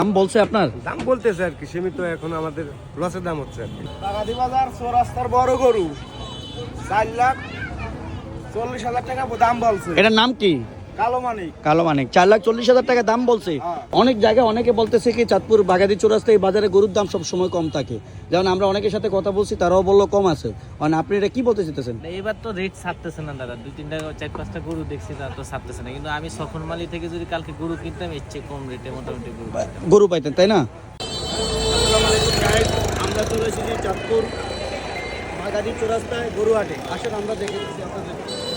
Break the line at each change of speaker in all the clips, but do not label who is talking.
দাম বলছে আপনার?
দাম বলতেছে আর কি, সীমিত এখন আমাদের লসের দাম হচ্ছে আর কি।
বাগাদি বাজার চৌরাস্তার বড় গরু 4,40,000 টাকা দাম বলছে।
এটার নাম কি?
কালো মানিক।
কালো মানিক। 4,40,000 টাকা দাম বলছে। অনেক জায়গায় অনেকে বলতেছে কি চাঁদপুর বাগাদি চৌরাস্তা এই বাজারে গরুর দাম সব সময় কম থাকে, যেমন আমরা অনেকের সাথে কথা বলছি তারাও বললো কম আছে। মানে আপনি এটা কি বলতে চাইতেছেন?
এবার তো রেট ছাড়তেছে না দাদা, 2-3টা 4-5টা গরু দেখছি তারা তো ছাড়তেছে না, কিন্তু আমি সফরমালি থেকে যদি কালকে গরু কিনতাম এর চেয়ে কম রেটে মোটামুটি
গরু পাইতেন, তাই না?
আমরা চলে এসেছি চাঁদপুর বাগাদি চৌরাস্তায় গরু হাটে। আসেন আমরা দেখে দিচ্ছি আপনাদের।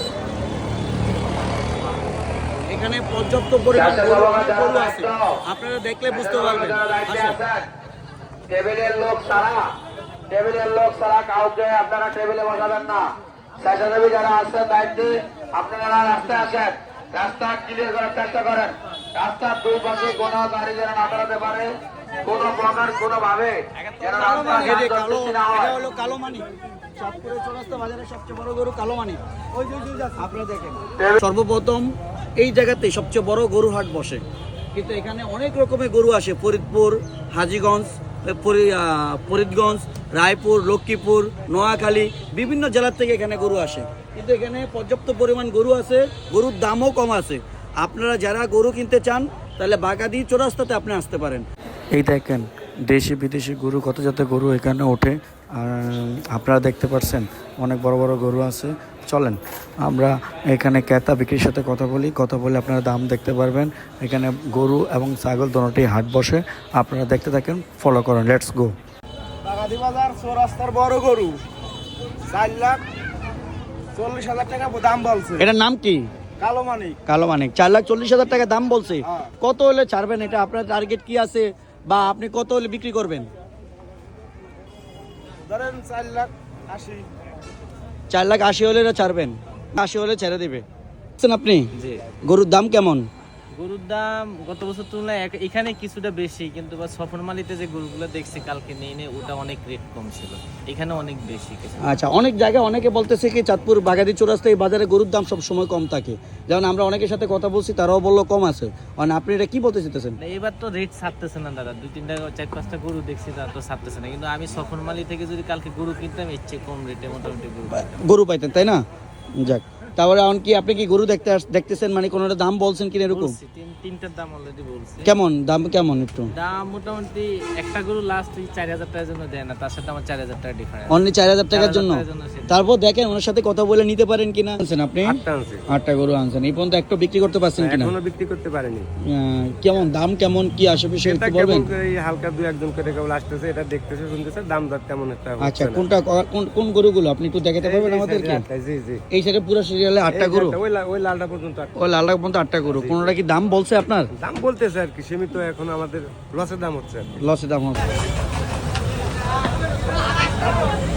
এখানে পর্যাপ্ত পরিমাণ গরু আছে, আপনারা দেখলে বুঝতে পারবেন।
টেবিলের লোক সারা কাউকে আপনারা টেবিলে বসাবেন না। স্বেচ্ছাসেবী যারা আসছেন দায়িত্বে আপনারা রাস্তায় আসেন, রাস্তা ক্লিয়ার করার চেষ্টা করেন। রাস্তার দুই পাশে কোনো গাড়ি যেন না বেরোতে পারে, কোনো প্রকার কোনো ভাবে যেন রাস্তা সৃষ্টি না হয়।
কালো মানিক, চাঁদপুরের চৌরাস্তা বাজারের সবচেয়ে বড় গরু কালো মানিক। আপনারা দেখেন, সর্বপ্রথম এই জায়গাতে সবচেয়ে বড় গরু হাট বসে, কিন্তু এখানে অনেক রকমের গরু আসে। ফরিদপুর, হাজীগঞ্জ, ফরিদগঞ্জ, রায়পুর, লক্ষ্মীপুর, নোয়াখালী, বিভিন্ন জেলার থেকে এখানে গরু আসে, কিন্তু এখানে পর্যাপ্ত পরিমাণ গরু আছে, গরুর দামও কম আছে। আপনারা যারা গরু কিনতে চান তাহলে বাগাদি চৌরাস্তাতে আপনি আসতে পারেন। এই দেখেন দেশি বিদেশি গরু, কত জাতের গরু এখানে ওঠে। আর আপনারা দেখতে পাচ্ছেন অনেক বড় বড় গরু আছে। চলেন আমরা এখানে ক্রেতা বিক্রির সাথে কথা বলে আপনারা দাম দেখতে পারবেন। এখানে গরু এবং ছাগল দোনোটাই হাট বসে, আপনারা দেখতে থাকেন, ফলো করেন। Let's go.
বাগাদি বাজার চৌরাস্তার বড় গরু 4,40,000 টাকা দাম বলছে।
এটার নাম কি?
কালো মানিক।
কালো মানিক। 4,40,000 টাকা দাম বলছে। কত হলে ছাড়বেন? এটা আপনার টার্গেট কি আছে, বা আপনি কত হলে বিক্রি করবেন?
ধরেন 4,80,000।
4,80,000 হলে এটা ছাড়বেন? 80 হলে ছেড়ে দিবে আপনি?
জি।
গরুর দাম কেমন?
গরুর দাম গত বছর তুলনায় এখানে কিছুটা বেশি, কিন্তু সফরমালিতে যে গরুগুলো দেখছি কালকে নিয়ে ওটা অনেক রেট কম ছিল, এখানে অনেক বেশি।
আচ্ছা, অনেক জায়গায় অনেকে বলতেছে কি চাঁদপুর বাগাদি চৌরাস্তা এই বাজারে গরুর দাম সব সময় কম থাকে, যেমন আমরা অনেকের সাথে কথা বলছি তারাও বললো কম আছে। মানে আপনি এটা কি বলতে চাইতেছেন?
এবার তো রেট ছাড়তেছে না দাদা, 2-3টা 4-5টা গরু দেখছি তারা তো ছাড়তেছে না, কিন্তু আমি সফরমালি থেকে যদি কালকে গরু কিনতাম এর চেয়ে কম রেটে মোটামুটি
গরু পাইতেন, তাই না? যাক, তারপরে এখন কি আপনি কি গরু দেখতেছেন, মানে কোনোটা দাম বলছেন কিনা এরকম?
তিনটার দাম অলরেডি বলছি।
কেমন দাম, কেমন একটু
দাম? মোটামুটি একটা গরু লাস্ট 4,000 টাকার জন্য দেয় না, তার সাথে আমার 4,000 টাকা ডিফারেন্স।
অনলি 4,000 টাকার জন্য? তারপর দেখেন ওনার সাথে কথা বলে নিতে পারেন কিনা। আনছেন আপনি? 8টা গরু আনছেন, এই পর্যন্ত একটা বিক্রি করতে পারছেন কিনা?
এখনো বিক্রি করতে পারেনি।
কেমন দাম, কেমন কি আশেপাশে একটু বলবেন?
এই হালকা 2-1 করে কেবল আসতেছে, এটা দেখতেছে শুনতেছে, দাম দর তেমন একটা হচ্ছে না।
আচ্ছা, কোনটা কোন গরুগুলো আপনি একটু দেখাতে পারবেন আমাদেরকে?
জি জি,
এই সাইডে পুরো সিরিয়ালে 8টা গরু,
ওই লালটা পর্যন্ত।
ওই লালটা পর্যন্ত 8টা গরু। কোনটা কি দাম বলছে আপনার?
দাম বলতেছে আর কি, সীমিত এখন আমাদের লসের দাম হচ্ছে।
লসের দাম হচ্ছে।